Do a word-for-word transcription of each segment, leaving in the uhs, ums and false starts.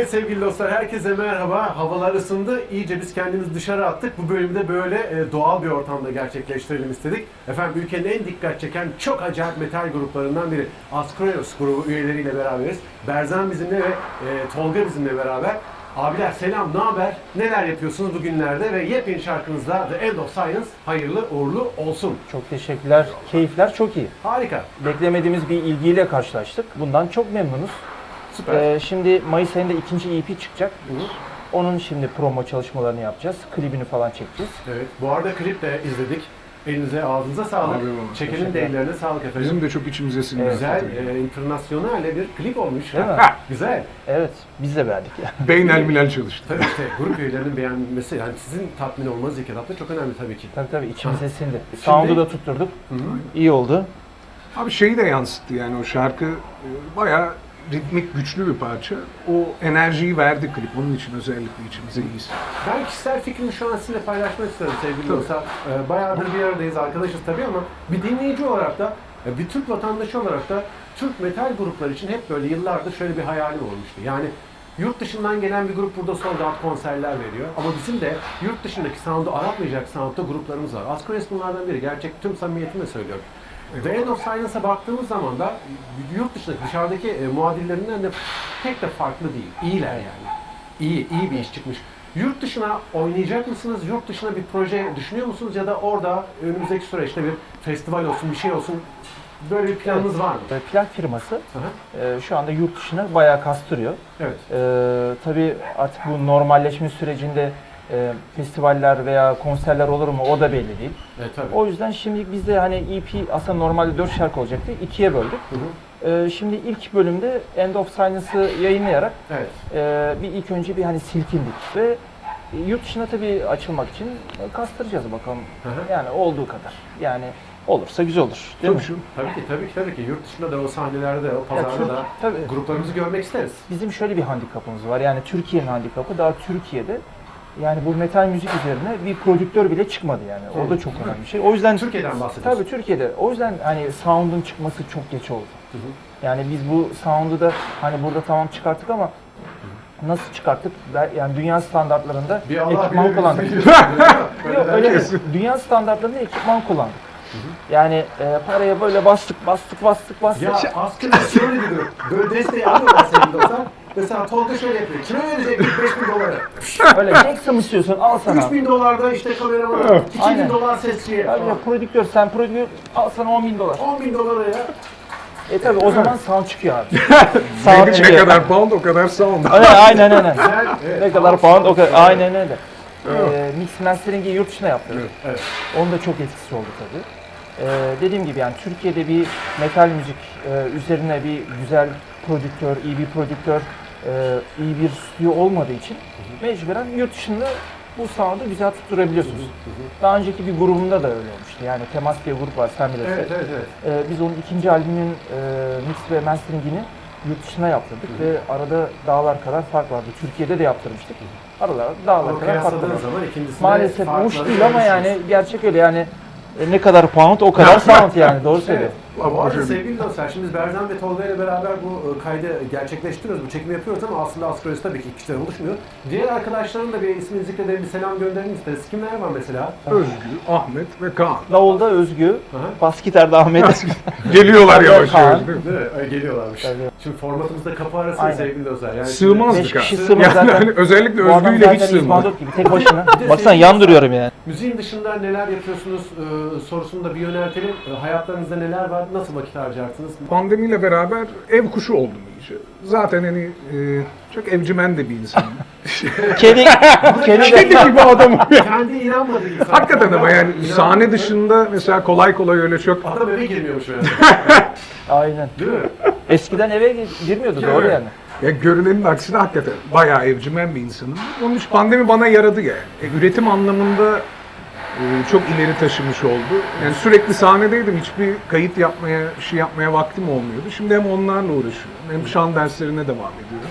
Evet sevgili dostlar, herkese merhaba. Havalar ısındı. İyice biz kendimizi dışarı attık. Bu bölümde böyle e, doğal bir ortamda gerçekleştirelim istedik. Efendim ülkenin en dikkat çeken çok acayip metal gruplarından biri. Askronos grubu üyeleriyle beraberiz. Berzan bizimle ve e, Tolga bizimle beraber. Abiler selam, ne haber? Neler yapıyorsunuz bugünlerde ve yepyeni şarkınızda The End of Science hayırlı uğurlu olsun. Çok teşekkürler. Keyifler çok iyi. Harika. Beklemediğimiz bir ilgiyle karşılaştık. Bundan çok memnunuz. Süper. Ee, şimdi Mayıs ayında ikinci E P çıkacak. Hı. Onun şimdi promo çalışmalarını yapacağız. Klibini falan çekeceğiz. Evet. Bu arada klip de izledik. Elinize, ağzınıza sağlık. Abi, abi. Çekenin de ellerine sağlık efendim. Bizim de çok içimize sindi. Evet. Güzel, e, internasyonel bir klip olmuş. Değil mi? Güzel. Evet, biz de beğendik. Beynel milel çalıştı. Tabii işte grup üyelerinin beğenmesi, yani sizin tatmin olmanız ilk etapta çok önemli tabii ki. Tabii tabii içimize sindi. Sound'u da tutturduk. Hı hı. İyi oldu. Abi şeyi de yansıttı yani o şarkı e, bayağı ritmik güçlü bir parça. O enerjiyi verdi klip. Onun için özellikle içimize iyiyiz. Ben kişisel fikrimi şu an sizinle paylaşmak isterim sevgili Tabii. dostlar. Ee, bayağıdır bir aradayız, arkadaşız tabii ama bir dinleyici olarak da, e, bir Türk vatandaşı olarak da Türk metal grupları için hep böyle yıllardır şöyle bir hayalim olmuştu. Yani yurt dışından gelen bir grup burada sold out konserler veriyor. Ama bizim de yurt dışındaki sound'u aratmayacak sound'da gruplarımız var. Askronos bunlardan biri. Gerçek tüm samimiyetimle söylüyorum. The End of Science'a baktığımız zaman da yurt dışındaki, dışarıdaki e, muadillerinden de pek de farklı değil. İyiler yani. İyi, iyi bir iş çıkmış. Yurt dışına oynayacak mısınız? Yurt dışına bir proje düşünüyor musunuz? Ya da orada önümüzdeki süreçte bir festival olsun, bir şey olsun, böyle bir planınız var mı? Ee, Plak firması Aha. e, şu anda yurt dışına bayağı kastırıyor. Evet. Ee, tabii artık bu normalleşme sürecinde e, festivaller veya konserler olur mu o da belli değil. Evet tabii. O yüzden şimdi biz de hani E P aslında normalde dört şarkı olacaktı. ikiye böldük. Hı hı. Ee, şimdi ilk bölümde End of Silence'ı yayınlayarak Evet. e, bir ilk önce bir hani silkindik ve yurt dışına tabii açılmak için e, kastıracağız bakalım. Hı hı. Yani olduğu kadar. Yani olursa güzel olur. Değil mi? Tabii şu. Tabii ki, tabii ki, tabii ki. Yurt dışında da o sahnelerde, o Ya pazarda Türk- da tabii. gruplarımızı görmek isteriz. Bizim şöyle bir handikapımız var. Yani Türkiye'nin handikapı daha Türkiye'de yani bu metal müzik üzerine bir prodüktör bile çıkmadı yani. O da çok önemli bir şey. O yüzden Türkiye'den bahsediyoruz. tabii Türkiye'de. O yüzden hani sound'un çıkması çok geç oldu. Hı hı. Yani biz bu sound'u da hani burada tamam çıkarttık ama nasıl çıkarttık? Ben- Yani dünya standartlarında Bir Allah ekipman bilir, kullandık. biz biliyoruz. Yok öyle değil. Kesin. Dünya standartlarında ekipman kullandık. Yani e, paraya böyle bastık, bastık, bastık, bastık. Ya aslında şöyle diyor, böyle desteği alıyorlar sevgili dostlar. Mesela Tolga şöyle yapıyor, kime verecek beş bin doları? Öyle Jackson mı istiyorsun? Al sana. üç bin dolarda işte kameramana, iki bin Aynen. dolar sesçiye Abi ya falan. prodüktör, sen prodüktör al sana on bin dolar. on bin dolara ya. E tabi o zaman sound çıkıyor abi. Ne, sound ne çıkıyor. kadar pound o kadar sound. Aynen aynen aynen. Güzel, evet. Ne kadar pound o kadar. Aynen öyle. Ee, mix mastering'i yurt dışına yaptırdık. Evet. Onun da çok etkisi oldu tabii. Ee, dediğim gibi yani Türkiye'de bir metal müzik e, üzerine bir güzel prodüktör, iyi bir prodüktör, e, iyi bir stüdyo olmadığı için mecburen yurt dışında bu sound'u güzel tutturabiliyorsunuz. Daha önceki bir grubumda da öyle olmuştu. Yani Temas diye bir grup var, sen bilirsin. Evet, evet, evet. Ee, biz onun ikinci albümün e, mix ve masteringini yurt dışına yaptırdık ve arada dağlar kadar fark vardı. Türkiye'de de yaptırmıştık. Aralar dağlar Ama kadar fark vardı. kıyasladığınız zaman ikincisinde Maalesef farkları uç değil ama yani görüyorsunuz. gerçek öyle yani e, ne kadar pound o kadar sound yani doğru söylüyor. Evet. Bu arada sevgili dostlar, şimdi biz Berzan ve Tolga ile beraber bu e, kaydı gerçekleştiriyoruz, bu çekimi yapıyoruz ama aslında Askronos tabii ki kişiler oluşmuyor. Diğer arkadaşların da bir ismini zikredelim, bir selam gönderelim isteriz. Kimler var mesela? Özgü, Ahmet ve Kaan. Davulda Özgü, Aha. bas gitarda Ahmet. Geliyorlar Tabii, yavaş Kaan. yavaş değil mi? Değil mi? Öyle geliyorlarmış. Tabii. Şimdi formatımızda kapı arası Aynen. sevgili dostlar. Yani Sığmazdık Beş ha. kişi Yani sığmaz Yani zaten. hani özellikle Bu adam Özgü'yle hiç zaten sığmadı. İzbandut gibi tek başına. Bir de Baksana sevgili yan duruyorum yani. müziğin dışında neler yapıyorsunuz e, sorusunu da bir yöneltelim. E, hayatlarınızda neler var? Nasıl vakit harcarsınız? Pandemiyle beraber ev kuşu oldum iyice. Zaten hani e, çok evcimen de bir insanım. Kedi, kedi Kedi de gibi adamım ya. Kendi inanmadığı insan. Hakikaten ama yani İnanmadığı- sahne dışında mesela kolay kolay öyle çok Adam eve girmiyormuş yani. aynen. Değil mi? Eskiden eve gir- girmiyordu doğru Evet. yani. ya görünenin aksine hakikaten bayağı evcimen bir insanım. Onun için pandemi bana yaradı yani. E, üretim anlamında e, çok ileri taşımış oldu. Yani sürekli sahnedeydim. Hiçbir kayıt yapmaya, bir şey yapmaya vaktim olmuyordu. Şimdi hem onlarla uğraşıyorum hem şan derslerine devam ediyorum.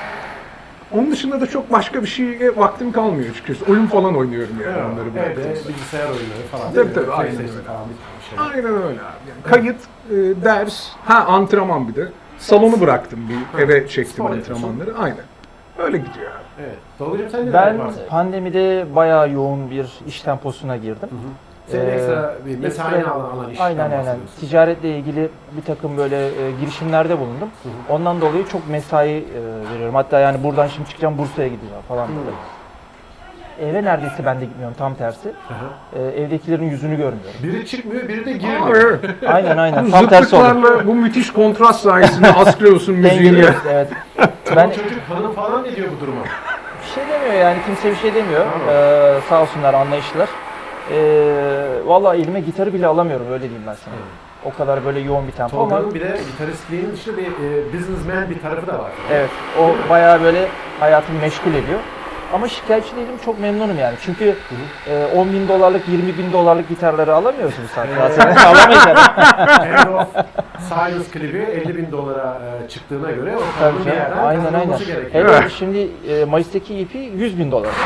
Onun dışında da çok başka bir şeye vaktim kalmıyor açıkçası. Oyun falan oynuyorum yani onları Evet, bıraktım. evde bilgisayar oyunları falan. Tabii, değil mi? tabii, aynen PlayStation öyle. falan bir şey. Aynen öyle abi. Yani kayıt, e, ders, ha antrenman bir de. Salonu bıraktım bir, eve çektim Spor yapıyorsun. antrenmanları. Aynen. Öyle gidiyor abi. Evet. Tolga'cığım sen ne Ben varsın? pandemide bayağı yoğun bir iş temposuna girdim. Senin Ee, ekstra bir mesaini ekstra- alan, alan işten Aynen aynen. bahsediyorsun. Ticaretle ilgili bir takım böyle e, girişimlerde bulundum. Hı hı. Ondan dolayı çok mesai e, veriyorum. Hatta yani buradan şimdi çıkacağım Bursa'ya gideceğim falan böyle. Eve neredeyse ben de gitmiyorum, tam tersi. Aha. E, evdekilerin yüzünü görmüyorum. Biri çıkmıyor, biri de Aa, girmiyor. evet. Aynen aynen. Bu Tam tersi oldu. zıtlıklarla bu müthiş kontrast sayesinde Asklıyorsun müziğiyle. Dengeliyoruz, evet. Ben... Ben Çocuk hanım falan ne diyor bu duruma? bir şey demiyor yani, kimse bir şey demiyor. Tamam. Ee, sağ olsunlar, anlayışlılar. Ee, vallahi elime gitarı bile alamıyorum, öyle diyeyim ben sana. O kadar böyle yoğun bir tempo ama Tolga'nın bir de gitaristliğinin dışında bir e, businessman bir tarafı da var. evet, o bayağı böyle hayatımı meşgul ediyor. Ama şikayetçi değilim, çok memnunum yani. Çünkü e, on bin dolarlık, yirmi bin dolarlık gitarları alamıyorsunuz zaten. Alamayacağım. End of Silence klibi elli bin dolara e, çıktığına göre o Tabii kadının bir canım, yerden aynen aynen. kazanılması gerekiyor. Hele şimdi e, Mayıs'taki E P yüz bin dolar.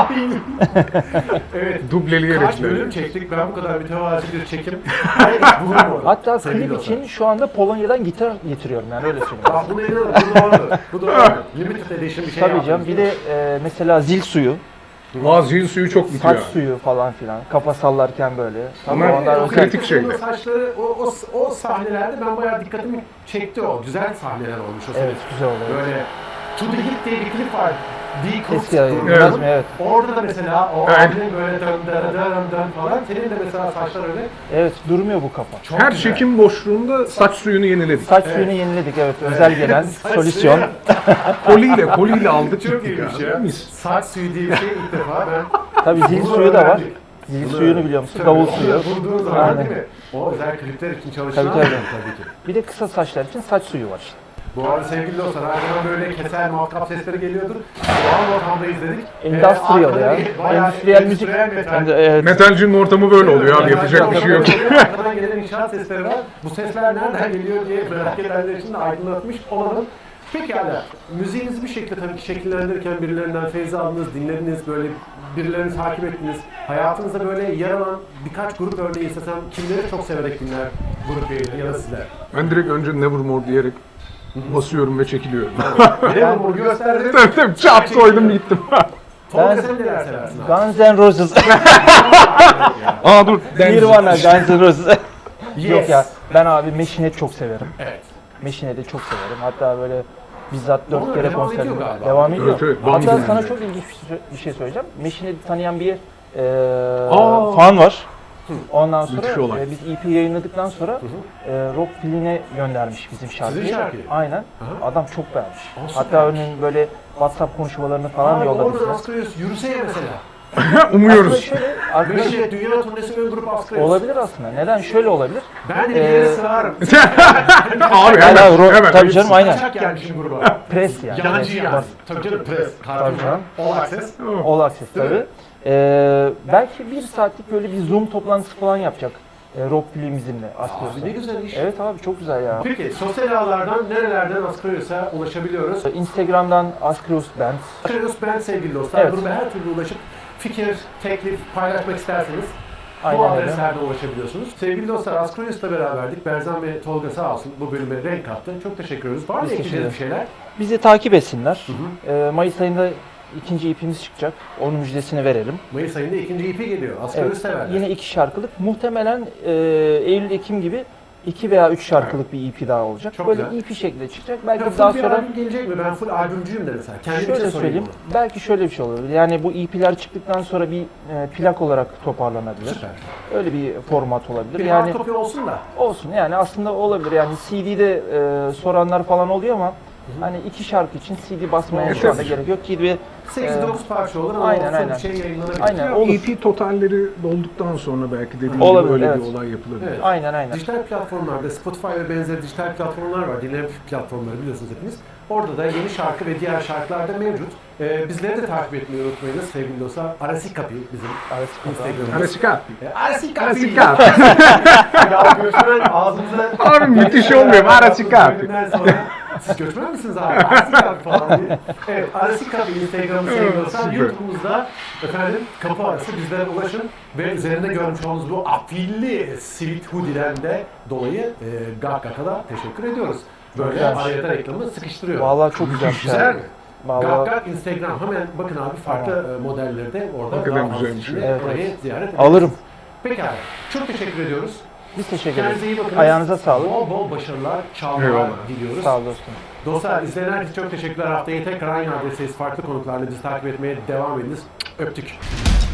Evet. Dubleleyerek Kaç böyle. bölüm çektik, ben bu kadar mütevazi bir çekim hiç bulunmadım. Hatta sevgili klip dostlar. için şu anda Polonya'dan gitar getiriyorum yani, öyle söyleyeyim. Bak bunu inanın, bu doğru. Bu doğru. Limited edition bir şey Tabii canım, yaptınız, bir değil de mi? e, mesela zil suyu, Aa, zil suyu çok bitiyor. saç suyu falan filan, kafa sallarken böyle. Tabii Bunlar onlar o özel. kritik kritik şeyler. saçları, o, o, o sahnelerde ben bayağı dikkatimi çekti o. Güzel sahneler olmuş o sene. Evet, güzel oluyor. Böyle To The Hit diye bir klip var. Be Cooked Eski ayı, grubunun. biraz mı? Evet. Orada da mesela o Evet. abinin böyle dön dön dön dön falan. Senin de mesela saçlar öyle. Evet, durmuyor bu kafa. Çok Her güzel. çekim boşluğunda saç suyunu yeniledik. Saç Evet. suyunu yeniledik, evet. Özel gelen Saç solüsyon. suyu. Koliyle, koliyle aldık Çok gittik iyiymiş ya. ya. Mis. Saç suyu diye bir şey ilk defa ben. Tabii zil Bunu suyu da var. öğrendik. Zil Bunu suyunu öğrendik. biliyor musun? Tabii, Davul onu suyu. Bulduğun zaman Aynen. değil mi? O özel klipler için çalışılan Tabii, tabii. tabii ki. Bir de kısa saçlar için saç suyu var işte. Bu arada sevgili dostlar, arkadan böyle keser muhakkap sesleri geliyordur. Doğal ortamda izledik. Industrial Ee, ya. arkada bir bayağı Endüstriyel müzik. endüstriyel metal. Hem de, evet. Metalcinin ortamı böyle oluyor abi, yapacak bir şey yok. Arkadan gelen inşaat sesleri var. Bu sesler nereden geliyor diye merak edenler için de aydınlatmış olalım. Pekala, müziğinizi bir şekilde tabii ki şekillendirirken birilerinden feyiz aldınız, dinlediniz, böyle birilerini takip ettiniz. Hayatınızda böyle yer alan birkaç grup örneği istesem kimleri çok severek dinler grup üyeleri ya da sizler? Ben direkt önce Nevermore diyerek basıyorum ve çekiliyorum. Ne bu gösterdim. tabii tabii, çap soydum gittim. Tolga Ben- sen neler seversin abi? Guns N' Roses. Aa dur. Nirvana, Guns N' Roses. Yes. Yok ya, ben abi Machine Head çok severim. Evet. Machine Head'i çok severim. Hatta böyle bizzat dört Onlar kere devam konser ediyor galiba. devam ediyor. Evet, evet, Hatta Bambi sana yani. çok ilginç bir şey- bir şey söyleyeceğim. Machine Head'i tanıyan bir e, Aa. fan var. Ondan Müthiş sonra olay. e, biz E P yayınladıktan sonra e, Rock Field'ine göndermiş bizim şarkıyı. Sizin şarkıyı? Aynen. Aha. Adam çok beğenmiş. Aa, Hatta süpermiş. örneğin böyle WhatsApp konuşmalarını falan Abi yolladı oradan bize. Askrayos yürüse ya mesela. Aslında Umuyoruz. şöyle, arkadaş, Beşiktaş Dünya Turnesi ön grup Askrayos. olabilir aslında. Neden? Şöyle olabilir. Ben de bir Ee, yere sığarım. Abi Hala hemen, ro- hemen. tabii canım, aynen. Kaçak gelmişim gruba. Pres yani. Yancı Evet, yani. Tabii canım pres. Kartım canım. var. All access. All Access Değil mi? tabii. Ee, belki bir saatlik böyle bir Zoom toplantısı falan yapacak. E, Rock filmimizle Askrayos'ta. Abi ne güzel iş. Evet abi, çok güzel ya. Peki sosyal ağlardan nerelerden Askrayos'a ulaşabiliyoruz? Instagram'dan Askrayos Band. Askrayos ben sevgili dostlar. Evet. Gruba her türlü ulaşıp fikir, teklif paylaşmak isterseniz bu Aynen öyle. adreslerden ulaşabiliyorsunuz. Sevgili dostlar, Askrayos'la beraberdik. Berzan ve Tolga sağ olsun bu bölüme renk kattı. Çok teşekkür ederiz. Var mı Biz ekleyeceğiniz bir teşekkür şeyler? Bizi takip etsinler. Hı Ee, Mayıs ayında ikinci E P'miz çıkacak. Onun müjdesini verelim. Mayıs ayında ikinci E P geliyor. Askrayos Evet, severler. yine iki şarkılık. Muhtemelen e, Eylül-Ekim gibi iki veya üç şarkılık bir E P daha olacak. Çok Böyle güzel. E P şeklinde çıkacak. Ya Belki full daha bir sonra albüm gelecek mi? Ben full albümcüyüm de mesela. Kendimize şöyle sorayım söyleyeyim. bunu. Belki şöyle bir şey olabilir. Yani bu E P'ler çıktıktan sonra bir e, plak olarak toparlanabilir. Süper. Öyle bir format olabilir. Bir yani hard copy olsun da. olsun yani, aslında olabilir. Yani C D'de e, soranlar falan oluyor ama hani iki şarkı için C D basmaya Evet. şu anda gerek yok ki bir sekiz dokuz parça olur ama aynen, full aynen. bir şey yayınlanabilir. Aynen. Ya, olur. E P totalleri dolduktan sonra belki dediğim Olabilir, gibi öyle evet. bir olay yapılabilir. Evet. aynen aynen. Dijital platformlarda, Spotify ve benzeri dijital platformlar var. Dinleme platformları biliyorsunuz hepiniz. Orada da yeni şarkı ve diğer şarkılar da mevcut. Ee, bizleri de takip etmeyi unutmayınız sevgili dostlar. Arasi Kapi bizim Instagram'ımız. Arasika. Ee, Arasi Kapi. Arasika. Ya göçmen ağzımıza... Abi müthiş olmuyor mu? Arasi Kapi. Bölümden sonra, siz göçmen misiniz abi? Arasi Kapi falan diye. Evet, Arasi Kapi Instagram'ı sevgili dostlar. Süper. YouTube'umuzda efendim kapı arası bizlere ulaşın ve üzerinde görmüş olduğunuz bu afilli sivit hoodie'den de dolayı e, Gakkak'a da teşekkür ediyoruz. Böyle Güzelmiş. araya da reklamı sıkıştırıyor. Vallahi çok güzel bir Güzel şarkı. mi? Vallahi Gak Gak Instagram. Hemen bakın abi farklı e, modelleri de orada Hakikaten daha fazla güzelmiş. içinde Evet, orayı evet. ziyaret ederiz. alırım. Pekala. Çok teşekkür ediyoruz. Biz teşekkür Kendinize iyi ederiz. bakın. Ayağınıza sağlık. Bol bol başarılar, çağlar Eyvallah. diliyoruz. Sağ ol dostum. Dostlar izleyen herkese çok teşekkürler. Haftaya tekrar aynı adresteyiz. Farklı konuklarla bizi takip etmeye devam ediniz. Öptük.